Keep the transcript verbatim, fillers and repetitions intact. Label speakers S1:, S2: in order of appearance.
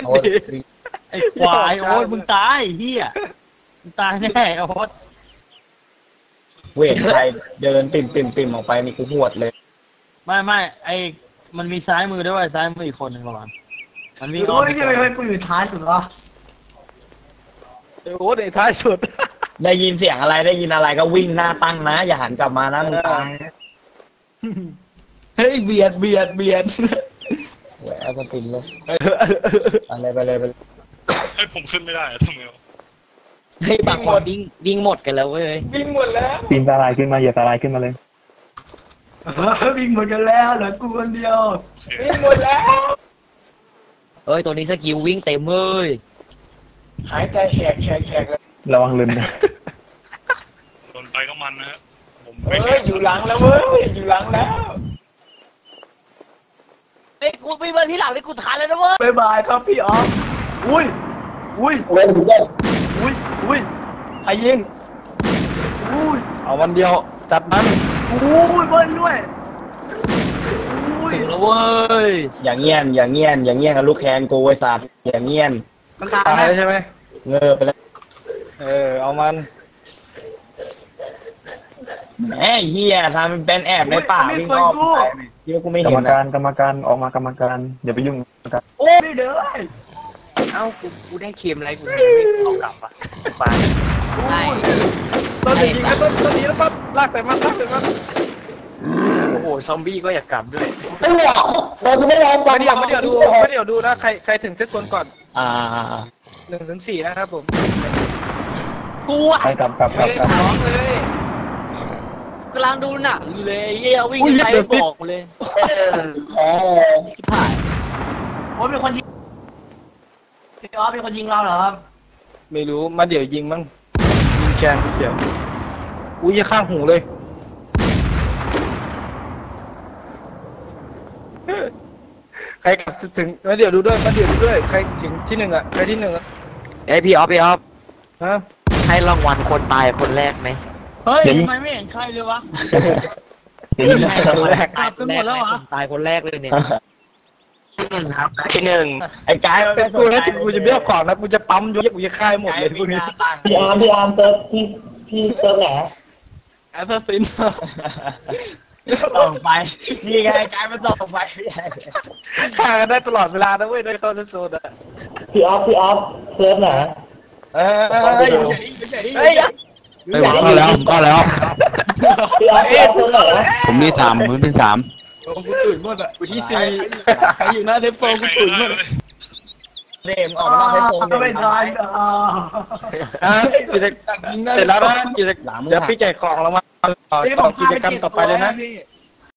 S1: โอ๊ต
S2: ไอ้ควายโอ๊ตมึงตายเฮียมึงตายแน่โอ๊ต
S1: เวทใครเดินปิ่มปิ่มปิ่มออกไปนี่กูหวดเลย
S2: ไม่ไม่ไอ้มันมีซ้ายมือด้วยซ้ายมืออีกคนหนึ่งระวังมันวิ่ง
S3: โอ้ยทำไมมันกูอยู่ท้ายสุดวะ
S4: โอ้ในท้ายสุด
S1: ได้ยินเสียงอะไรได้ยินอะไรก็วิ่งหน้าตั้งนะอย่าหันกลับมานะมึงตาย
S3: เฮ้ยเบียดเบียดเบียด
S1: แหวะก็ติดเลยอะไรไปเลยไปเลย
S5: ให้ผมขึ้นไม่ได้ทำไงวะ
S6: เฮ้ยบางคนวิ่งวิ่งหมดกันแล้วเว้ย
S4: วิ่งหมดแล้ว
S7: ปีนตาลายขึ้นมาอย่าตาลายขึ้นมาเลย
S3: วิ่งหมดกันแล้วเหลือกูคนเดียว
S4: วิ่งหมดแล้ว
S6: เอ้ยตัวนี้สกิลวิ่งเต็มเลย
S4: หายใจแหกแหกแหกเลย
S7: ระวังลืมนะ
S5: โดนไปก็มันนะฮะผม
S4: เฮ้
S5: ไม่
S4: ย
S5: แข็ง
S4: อยู่หลังแล้วเว้ยอยู่หลังแล้ว
S6: เฮ้ยกูวิ่งมาที่หลังนี่กูทันแล้วนะเว้ย
S3: บายบายครับพี่อ๋ออุ้ยอุ้ย
S1: เว้นถึงได้
S3: อุ้ยอุ้ยใครยิงอุ้ย
S4: เอาวันเดียวจัดมัน
S3: อุ้ยเบิ้ลด้วยอุ้ย
S6: ถึงแล้วเว้ย
S1: อย่างเงี้ยนอย่างเงี้ยนอย่างเงี้ยนกับลูกแคนกูไอ้สัตว์อย่างเงี้ยน
S3: มันตาย
S4: ตาย
S3: นะ
S4: ใช่ไหม
S1: เงอไปแล้ว
S4: เออเอามัน
S1: แหมเฮียทำเป็นเป็นแอบในป่าวิ่งอ้อมไปที่ว่ากูไม่
S7: กร
S1: เห็
S7: รม
S1: น
S7: การ
S1: นะ
S7: กรรมการออกมากรรมการอย่าไปยุ่งกรรมการ
S3: โอ้ยเด้อ
S6: เอ้ากูกูได้เค็มอะไรกูไม่เอากลับอ่ะไปไอ้
S4: ต้นจะยิงก็ต้นต้นนี้แล้วปั๊บลากใส่มันลากใส่มัน
S6: โอ้โหซอมบี้ก็อยากกลับด้วย
S1: ไม่หรอกเราจะไม่ยอม
S4: ไม่เดี๋ยวไม่เดี๋ยวดูไม่เดี๋ยวดูนะใครใครถึงเซตคนก่อน
S1: อ่า
S4: หนึ่งถึงสี่นะครับผม
S6: กูอ่ะ
S7: ไปกลับกลับก
S4: ไม่
S7: ลับ
S4: ได้
S7: กลับ
S4: ท้องเลย
S6: กำลังดูหนังอยู่เลยเยี่ยวิ่งไปบอกกูเลยชิบหาย
S3: โอ้ยเป็นคนยิงพี่อ๋อเป็นคนยิงเราเหรอครับ
S4: ไม่รู้มาเดี๋ยวยิงมั้งยิงแคนพี่เขียวอุ้ยข้างหูเลยใครกลับถึงมาเดี๋ยวดูด้วยมาเดี๋ยวดูด้วยใครถึงที่หนึ่งอ่ะใครที่หนึ่งอ่ะ
S6: เอ้ยพี่ออฟพี่ออฟ
S4: ฮะ
S6: ให้รางวัลคนตายคนแรกไหม
S2: เฮ้ยทำไมไม่เห็นใครเลยวะ
S7: อย่ายิงนะ
S4: คนแรก
S2: กลับกันหมดแล้วเหรอ
S6: ตายคนแรกเลยเนี่ย
S1: ที่หนึ่งไอ้กายมัน
S4: แต่กูนะกูจะเบี้ยวก่อนนะกูจะปั๊มยกกูจะค่ายหมดเลยพวกนี้
S1: พี่อาร์มพี่อาร์มเซิร์ฟพี่พี่เซิร์ฟไหน
S4: แอสซัสซิน
S1: ส่งไปนี่ไงกายมันส่งไป
S4: ฆ่ากันได้ตลอดเวลานะเว้ยด้วยเข้าโซนอ่ะ
S1: พี่ออฟพี่ออฟเซิร์ฟไหน
S4: เออ
S1: เฮ้ย
S4: เฮ้ย
S8: เฮ้ยผมเข้าแล้วผมเข้าแล้ว
S1: พี่ออฟพี่ออฟเซิร์ฟไหน
S8: ผมที่สามผมที่สาม
S4: กูตื่นหมดอ่ะกูที่สี่ใครอยู่หน้าเทปโฟกูตื่นหมด
S1: เดมออกมานอกให้โฟม
S3: ไม่ทันอ่า
S4: อ่ะกิจกรรมเสร็จแล้วนะกิจกรรมเดี๋ยวพี่แจกของรางวัลต่อกิจกรรมต่อไปเลยนะ